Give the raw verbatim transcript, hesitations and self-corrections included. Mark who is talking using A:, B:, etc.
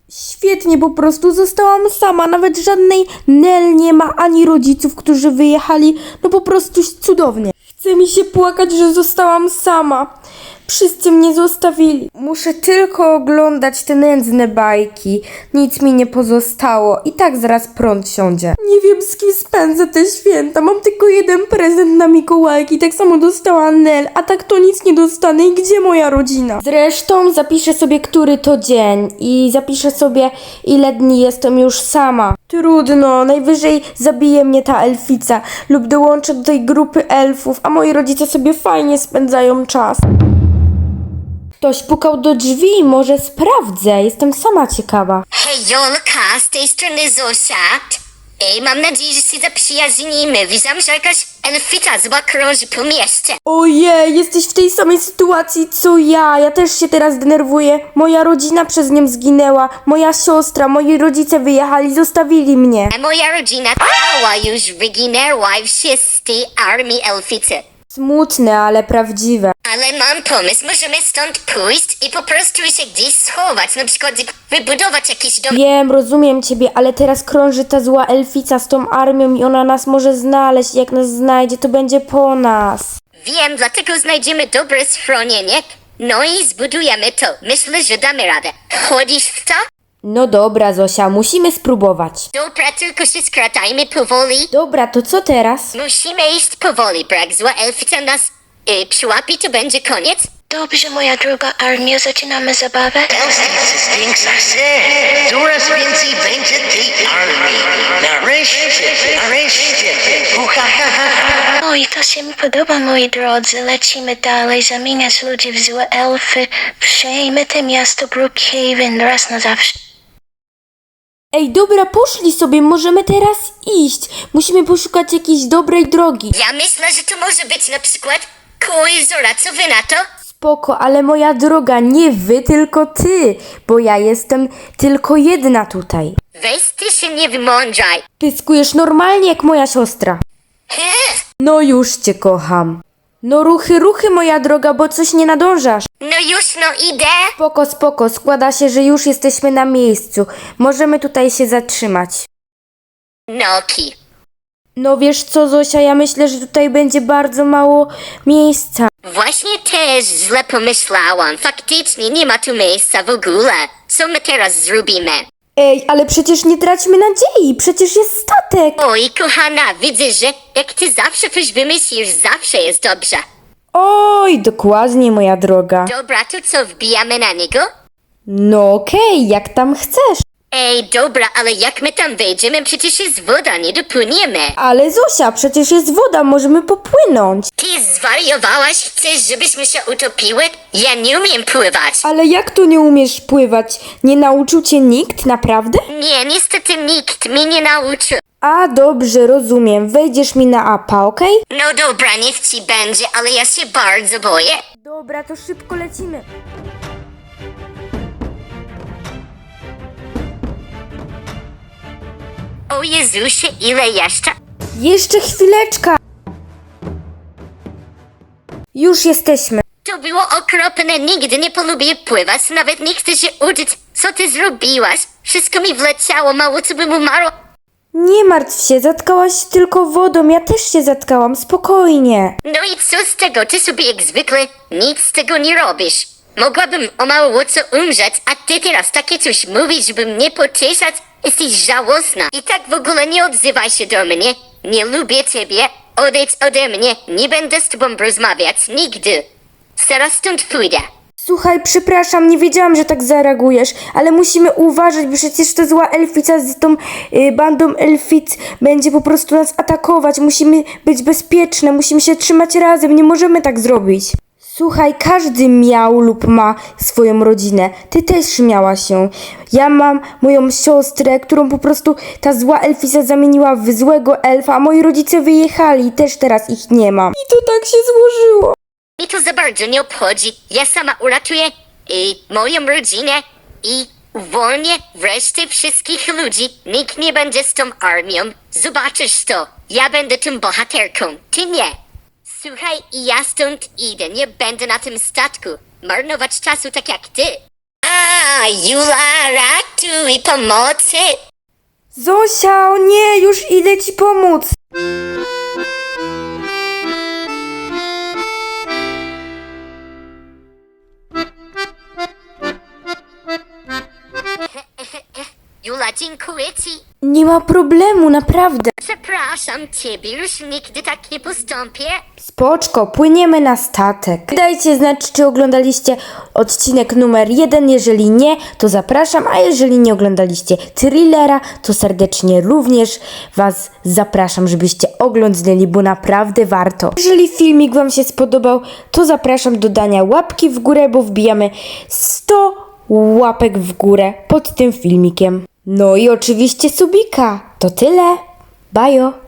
A: Świetnie, po prostu zostałam sama, nawet żadnej Nel nie ma, ani rodziców, którzy wyjechali, no po prostu cudownie. Chce mi się płakać, że zostałam sama. Wszyscy mnie zostawili. Muszę tylko oglądać te nędzne bajki. Nic mi nie pozostało. I tak zaraz prąd siądzie. Nie wiem, z kim spędzę te święta. Mam tylko jeden prezent na Mikołajki. Tak samo dostała Nel, a tak to nic nie dostanę. I gdzie moja rodzina? Zresztą zapiszę sobie, który to dzień. I zapiszę sobie, ile dni jestem już sama. Trudno, najwyżej zabije mnie ta elfica. Lub dołączę do tej grupy elfów, a moi rodzice sobie fajnie spędzają czas. Ktoś pukał do drzwi, może sprawdzę, jestem sama ciekawa.
B: Hej, Jolka, z tej strony Zosia. Ej, mam nadzieję, że się zaprzyjaźnimy. Widziałam, że jakaś elfita zła krąży po mieście.
A: Ojej, jesteś w tej samej sytuacji co ja, ja też się teraz denerwuję. Moja rodzina przez nią zginęła, moja siostra, moi rodzice wyjechali, zostawili mnie.
B: A moja rodzina cała już wyginęła w tej armii elfity.
A: Smutne, ale prawdziwe.
B: Ale mam pomysł, możemy stąd pójść i po prostu się gdzieś schować, na przykład wybudować jakiś dom.
A: Wiem, rozumiem ciebie, ale teraz krąży ta zła elfica z tą armią i ona nas może znaleźć. Jak nas znajdzie, to będzie po nas.
B: Wiem, dlatego znajdziemy dobre schronienie, no i zbudujemy to. Myślę, że damy radę. Chodzisz w to?
A: No dobra, Zosia, musimy spróbować.
B: Dobra, tylko się skracajmy powoli.
A: Dobra, to co teraz?
B: Musimy iść powoli, bo jak zła elfica nas y, przyłapi, to będzie koniec.
C: Dobrze, moja droga armio, zaczynamy zabawę.
D: Elfis zwiększa się. Coraz więcej będzie tej armii. Nareszcie, nareszcie. Uha, ha, ha, ha.
C: Oj, to się mi podoba, moi drodzy. Lecimy dalej, zamieniać ludzi w złe elfy. Przejmę to miasto Brookhaven raz na zawsze.
A: Ej, dobra, poszli sobie, możemy teraz iść. Musimy poszukać jakiejś dobrej drogi.
B: Ja myślę, że to może być na przykład koło jeziora. Co wy na to?
A: Spoko, ale moja droga, nie wy, tylko ty, bo ja jestem tylko jedna tutaj.
B: Weź ty się nie wymądrzaj.
A: Pyskujesz normalnie jak moja siostra.
B: He?
A: No już cię kocham. No ruchy, ruchy moja droga, bo coś nie nadążasz.
B: No już, no idę.
A: Spoko, spoko, składa się, że już jesteśmy na miejscu. Możemy tutaj się zatrzymać.
B: Noki.
A: No wiesz co, Zosia, ja myślę, że tutaj będzie bardzo mało miejsca.
B: Właśnie też źle pomyślałam. Faktycznie nie ma tu miejsca w ogóle. Co my teraz zrobimy?
A: Ej, ale przecież nie traćmy nadziei, przecież jest statek.
B: Oj, kochana, widzę, że jak ty zawsze coś wymyślisz, zawsze jest dobrze.
A: Oj, dokładnie, moja droga.
B: Dobra, to co, wbijamy na niego?
A: No okej, jak tam chcesz.
B: Ej, dobra, ale jak my tam wejdziemy, przecież jest woda, nie dopłyniemy.
A: Ale Zosia, przecież jest woda, możemy popłynąć.
B: Ty zwariowałaś? Chcesz, żebyśmy się utopiły? Ja nie umiem pływać.
A: Ale jak tu nie umiesz pływać? Nie nauczył cię nikt, naprawdę?
B: Nie, niestety nikt mnie nie nauczył.
A: A, dobrze, rozumiem. Wejdziesz mi na apa, okej?
B: No dobra, niech ci będzie, ale ja się bardzo boję.
A: Dobra, to szybko lecimy.
B: O Jezusie, ile jeszcze?
A: Jeszcze chwileczka. Już jesteśmy.
B: To było okropne, nigdy nie polubię pływać, nawet nie chcę się uczyć. Co ty zrobiłaś? Wszystko mi wleciało, mało co bym umarło.
A: Nie martw się, zatkałaś się tylko wodą, ja też się zatkałam, spokojnie.
B: No i co z tego? Ty sobie jak zwykle nic z tego nie robisz. Mogłabym o mało co umrzeć, a ty teraz takie coś mówisz, żeby mnie pocieszać? Jesteś żałosna. I tak w ogóle nie odzywaj się do mnie. Nie lubię ciebie. Odejdź ode mnie. Nie będę z tobą rozmawiać. Nigdy. Zaraz stąd pójdę.
A: Słuchaj, przepraszam, nie wiedziałam, że tak zareagujesz, ale musimy uważać, bo przecież ta zła elfica z tą y, bandą elfic będzie po prostu nas atakować. Musimy być bezpieczne, musimy się trzymać razem, nie możemy tak zrobić. Słuchaj, każdy miał lub ma swoją rodzinę. Ty też miałaś ją. Ja mam moją siostrę, którą po prostu ta zła elfica zamieniła w złego elfa, a moi rodzice wyjechali i też teraz ich nie mam. I to tak się złożyło.
B: Mi to za bardzo nie obchodzi. Ja sama uratuję i moją rodzinę i uwolnię wreszcie wszystkich ludzi. Nikt nie będzie z tą armią. Zobaczysz to. Ja będę tą bohaterką. Ty nie. Słuchaj, ja stąd idę. Nie będę na tym statku marnować czasu tak jak ty. Jula, ratuj pomocy!
A: Zosia, o nie, już idę ci pomóc.
B: Jula, dziękuję ci.
A: Nie ma problemu, naprawdę.
B: Przepraszam ciebie, już nigdy tak nie postąpię.
A: Spoczko, płyniemy na statek. Dajcie znać, czy oglądaliście odcinek numer jeden. Jeżeli nie, to zapraszam, a jeżeli nie oglądaliście thrillera, to serdecznie również was zapraszam, żebyście oglądnęli, bo naprawdę warto. Jeżeli filmik wam się spodobał, to zapraszam do dania łapki w górę, bo wbijamy sto łapek w górę pod tym filmikiem. No i oczywiście subika. To tyle. Bajo.